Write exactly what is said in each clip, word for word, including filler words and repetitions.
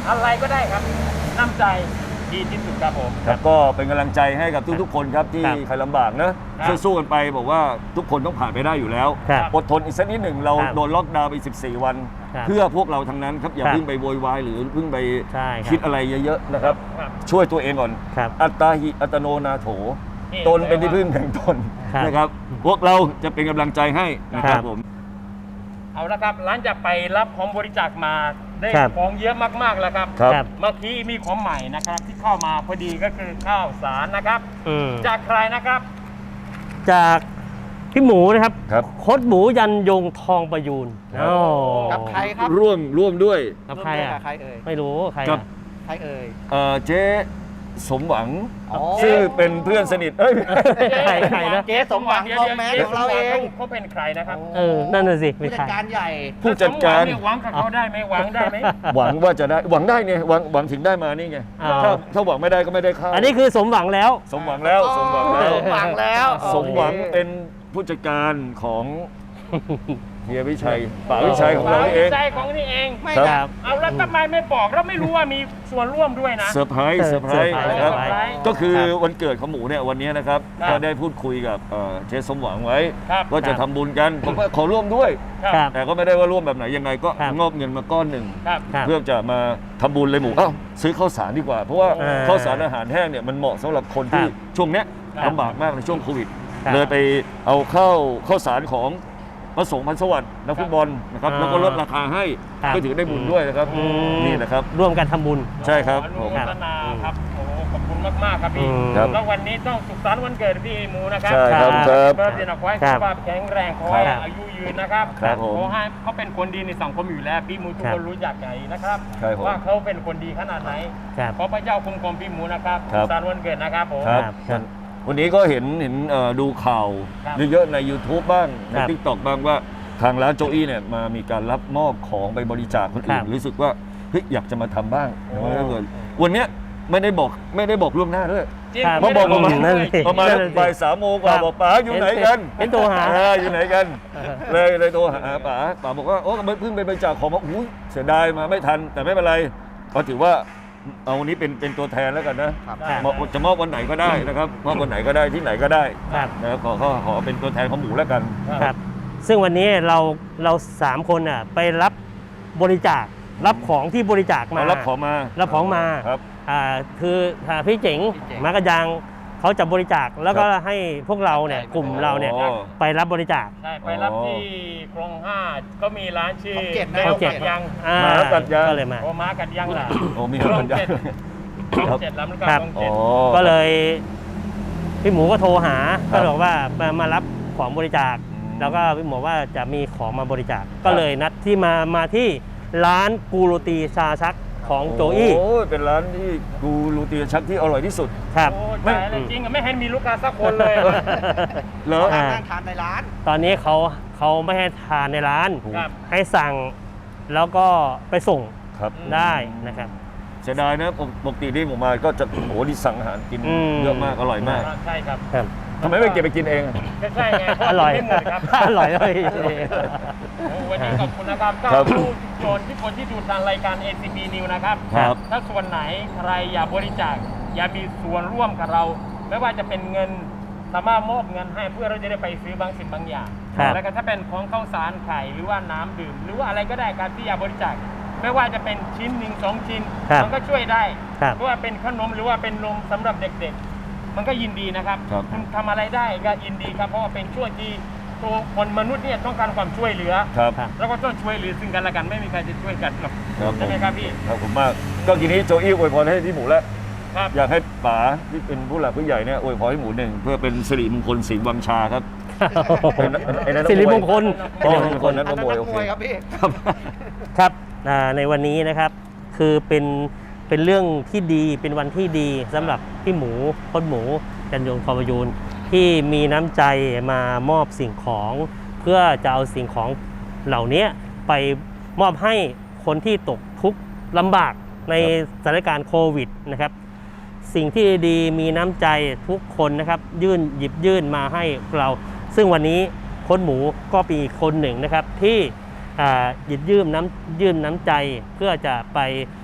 อะไรก็ได้ครับน้ำใจดีที่สุดครับผมครับก็เป็นกำลังใจให้กับทุกๆคนครับที่ใครลำบากนะสู้ๆกันไปบอกว่าทุกคนต้องผ่านไปได้อยู่แล้วอดทนอีกสักนิดหนึ่งเราโดนล็อกดาวน์ไปสิบสี่วันเพื่อพวกเราทั้งนั้นครับอย่าเพิ่งไปโวยวายหรือเพิ่งไปคิดอะไรเยอะๆนะครับช่วยตัวเองก่อนอัตตาหิอัตโนนาโถตนเป็นที่พึ่งแห่งตนนะครับพวกเราจะเป็นกำลังใจให้นะครับผมเอาละครับหลังจากไปรับของบริจาคมาได้ของเยอะมากๆแล้วครับเมื่อกี้มีของใหม่นะครับที่เข้ามาพอดีก็คือข้าวสารนะครับจากใครนะครับจากพี่หมูนะครับโคตรหมูยันยงทองประยูนกับใครครับร่วมร่วมด้วยกับใครอ่ะใครเอ่ยไม่รู้ใครกับใครเอ่ยเจ๊สมหวังซึ่งเป็นเพื่อนสนิทเอ้ยใครใครนะเจ๊สมหวังทองแมสของเราเองเขาเป็นใครนะครับเออนั่นน่ะสิผู้จัดการใหญ่ผู้จัดการหวังกับเขาได้ไหมหวังได้ไหมหวังว่าจะได้หวังได้ไงหวังหวังถึงได้มานี่ไงถ้าถ้าหวังไม่ได้ก็ไม่ได้เข้าอันนี้คือสมหวังแล้วสมหวังแล้วสมหวังแล้วสมหวังแล้วสมหวังเป็นผู้จัดการของเฮียวิชัยป๋าวิชัยของเราเองวิชัยของนี่เองไม่ครับเอาแล้วทำไมไม่บอกเราไม่รู้ว่ามีส่วนร่วมด้วยนะเซอร์ไพรส์เซอร์ไพรส์นะครับก็คือวันเกิดของหมูเนี่ยวันนี้นะครับก็ได้พูดคุยกับเจ๊สมหวังไว้ว่าจะทำบุญกันผมก็ขอร่วมด้วยแต่ก็ไม่ได้ว่าร่วมแบบไหนยังไงก็งอบเงินมาก้อนหนึ่งเพื่อจะมาทำบุญเลยหมูอ้าวซื้อข้าวสารดีกว่าเพราะว่าข้าวสารอาหารแห้งเนี่ยมันเหมาะสำหรับคนที่ช่วงเนี้ยลำบากมากในช่วงโควิดเลยไปเอาข้าวข้าวสารของมาส่งพันสวัสดิ์นักฟุตบอลนะครับแล้วก็ลดราคาให้ก็ถือได้บุญด้วยนะครับนี่นะครับร่วมกันทำบุญใช่ครับอนุโมทนาครับโอ้ขอบคุณมากๆครับพี่แล้ววันนี้ต้องสุขสันต์วันเกิดพี่หมูนะครับใช่ครับครับเพื่อที่จะขอให้สุขภาพแข็งแรงขอให้อายุยืนนะครับขอให้เขาเป็นคนดีในสังคมอยู่แล้วพี่หมูทุกคนรู้จักไงนะครับว่าเขาเป็นคนดีขนาดไหนขอพระเจ้าคุ้มครองพี่หมูนะครับสุขสันต์วันเกิดนะครับผมวันนี้ก็เห็นเห็นดูข่าวเยอะๆใน YouTube บ้างใน ติ๊กต็อก บ้างว่าทางร้านโจอี้เนี่ยมามีการรับมอบของไปบริจาคคนอื่นรู้สึกว่าเฮ้ยอยากจะมาทำบ้างวันนี้ไม่ได้บอกไม่ได้บอกล่วงหน้าด้วยมาบอกประมาณประมาณบ่ายสามโมงกว่าบอกป๋าอยู่ไหนกันเป็นตัวหาอยู่ไหนกันเลยเลยโทรหาป๋าป๋าบอกว่าโอ้เพิ่งไปบริจาคของมาอุ้ยเสียดายมาไม่ทันแต่ไม่เป็นไรก็ถือว่าเอาวันนี้เป็นเป็นตัวแทนแล้วกันนะจะมอบวันไหนก็ได้นะครับมอบวันไหนก็ได้ที่ไหนก็ได้นะขอขอขอเป็นตัวแทนของหมูแล้วกันครับซึ่งวันนี้เราเราสามคนอ่ะไปรับบริจาครับของที่บริจาคมารับของมารับของมาครับอ่าคือพี่เจ๋งมากระยังเขาจะบริจาคแล้วก็ให้พวกเราเนี่ยกลุ่มเราเนี่ยไปรับบริจาคใช่ไปรับที่คลองห้าก็มีร้านชื่อแมวกัดยังม้ากัดยังก็เลยมาโอ้ม้ากัดยังล่ะโอ้มีม้ากัดยังครับเจ็ดแล้วมันก็ต้องเจ็ดก็เลยพี่หมูก็โทรหาก็บอกว่ามารับของบริจาคแล้วก็พี่หมูว่าจะมีของมาบริจาคก็เลยนัดที่มามาที่ร้านกูโรตีชาชักของโจอี้โอ้เป็นร้านที่กูโรตีชักที่อร่อยที่สุดครับไม่จริงไม่เห็นมีลูกค้าสักคนเลยเหรอนั่งทานในร้านตอนนี้เขาเขาไม่ให้ทานในร้านให้สั่งแล้วก็ไปส่งได้นะครับเสียดายนะปกติที่ผมมาก็จะโอ้ดิสั่งอาหารกินเยอะมากอร่อยมากใช่ครับทำไมไม่เก็บไปกินเองใช่ไงอร่อยครับอร่อยเลยวันนี้ขอบคุณนะครับก็ผู้ชมที่คนที่ดูทางรายการ เอ ซี บี News นะครับถ้าส่วนไหนใครอยากบริจาคอยากมีส่วนร่วมกับเราไม่ว่าจะเป็นเงินสามารถมอบเงินให้เพื่อเราจะได้ไปซื้อบางสิ่งบางอย่างแล้วก็ถ้าเป็นของข้าวสารไข่หรือว่าน้ำดื่มหรือว่าอะไรก็ได้การที่อยากบริจาคไม่ว่าจะเป็นชิ้นหนึ่งสองชิ้นมันก็ช่วยได้เพราะว่าเป็นขนมหรือว่าเป็นนมสำหรับเด็กๆมันก็ยินดีนะครับคุณทำอะไรได้ก็ยินดีครับเพราะว่าเป็นช่วยที่ตัวคนมนุษย์เนี่ยต้องการความช่วยเหลือแล้วก็ต้องช่วยเหลือซึ่งกันและกันไม่มีใครจะช่วยกันหรอกใช่ไหมครับพี่ขอบคุณมากก็ทีนี้โจอี้อวยพรให้พี่หมูแล้วอยากให้ป๋าที่เป็นผู้หลักผู้ใหญ่เนี่ยอวยพรให้หมูหนึ่งเพื่อเป็นสิริมงคลสิงห์วังชาครับสิริมงคลสิริมงคลนั้นก็มวยโอเคครับพี่ครับในวันนี้นะครับคือเป็นเป็นเรื่องที่ดีเป็นวันที่ดีสำหรับพี่หมูพดหมูจันยงทองประยูนที่มีน้ำใจมามอบสิ่งของเพื่อจะเอาสิ่งของเหล่านี้ไปมอบให้คนที่ตกทุกข์ลำบากในสถานการณ์โควิดนะครับสิ่งที่ดีมีน้ำใจทุกคนนะครับยื่นหยิบยื่นมาให้เราซึ่งวันนี้พดหมูก็เป็นคนหนึ่งนะครับที่หยิบยื่นน้ำยื่นน้ำใจเพื่อจะไป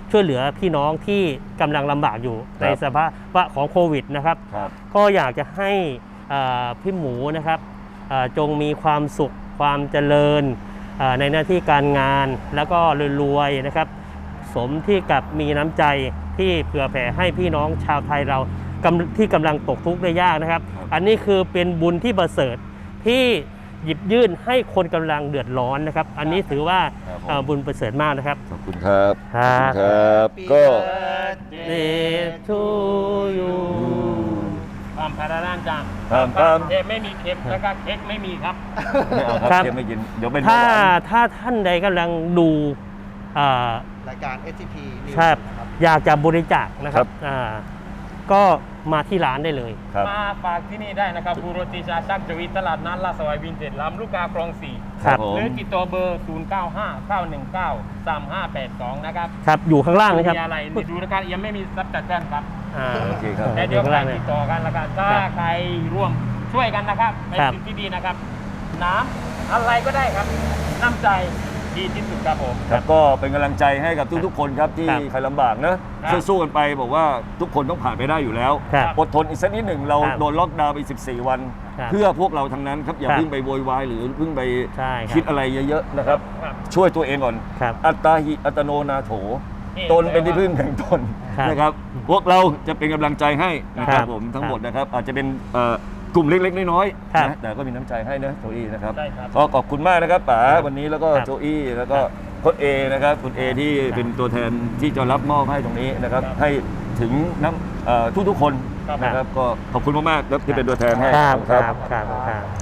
ช่วยเหลือพี่น้องที่กำลังลำบากอยู่ในสภาวะของโควิดนะครับครับก็อยากจะให้อ่าพี่หมูนะครับอ่าจงมีความสุขความเจริญอ่าในหน้าที่การงานแล้วก็รวยๆนะครับ สมที่กับมีน้ำใจที่เผื่อแผ่ให้พี่น้องชาวไทยเรากำที่กำลังตกทุกข์ได้ยากนะครับ อันนี้คือเป็นบุญที่ประเสริฐที่หยิบยื่นให้คนกำลังเดือดร้อนนะครับ อันนี้ถือว่าครับผมเอ่อบุญประเสริฐมากนะครับขอบคุณครับครัขอบ บคุณครับ ก็ Day to you ความพาราด้านจังครับครับเค้กไม่มีเค็มแล้วก็เค้กไม่มีครับไม่เอาคครัรับบ เดี๋ยวไม่กินเดี๋ยวเป็นถ้าเบาหวานถ้าท่านใดกำลังดูอ่ารายการ เอส ที พี News ครับนะครับอยากจะบริจาคนะครับอ่าก็มาที่ร้านได้เลยครับมาฝากที่นี่ได้นะครับบูโรติชาชักจวีตลาดนัดลาดสวายวินเทจลำลูกกาคลองสี่ครับผมหรือติดต่อเบอร์ ศูนย์ เก้า ห้า เก้า หนึ่ง เก้า สาม ห้า แปด สอง นะครับครับอยู่ข้างล่างนะครับมีอะไรดูนะครับยังไม่มีซับจัดแจ้งครับอ่าโอเคครับแต่อเดี๋ยวข้างใครล่างเลยติดต่อกันแล้วกันถ้าครับใครร่วมช่วยกันนะครับเป็นครับสิ่งที่ดีนะครับ น้ำอะไรก็ได้ครับ น้ำใจดีที่สุดครับผมครับก็เป็นกำลังใจให้กับทุกๆคนครับที่ครับใครลำบากนะครับ สู้ๆกันไปบอกว่าทุกคนต้องผ่านไปได้อยู่แล้วครับอดทนอีกสักนิดหนึ่งเราครับโดนล็อกดาวน์ไปสิบสี่วันครับเพื่อพวกเราทั้งนั้นครับอย่าครับเพิ่งไปโวยวายหรือเพิ่งไปใช่ครับคิดอะไรเยอะๆนะครับครับช่วยตัวเองก่อนครับอัตตาหิอัตโนนาโถนี่ตนเป็นที่พึ่งแห่งตนครับนะครับ พวกเราจะเป็นกำลังใจให้นะครับครับผมทั้งครับหมดนะครับ อาจจะเป็นเอ่อกลุ่มเล็กๆน้อยครับๆนะแต่ก็มีน้ำใจให้นะโจอี้นะครับใช่ครับก็ขอบคุณมากนะครับป๋าครับวันนี้แล้วก็ครับโจอี้แล้วก็ครับโค้ชเอนะครับคุณเอที่ครับเป็นตัวแทนที่จะรับมอบให้ตรงนี้นะครับครับให้ถึงน้ำเอ่อทุกๆคนครับนะครับ ก็ขอบคุณมากๆแล้วที่เป็นตัวแทนให้ครับครับครับครับครับ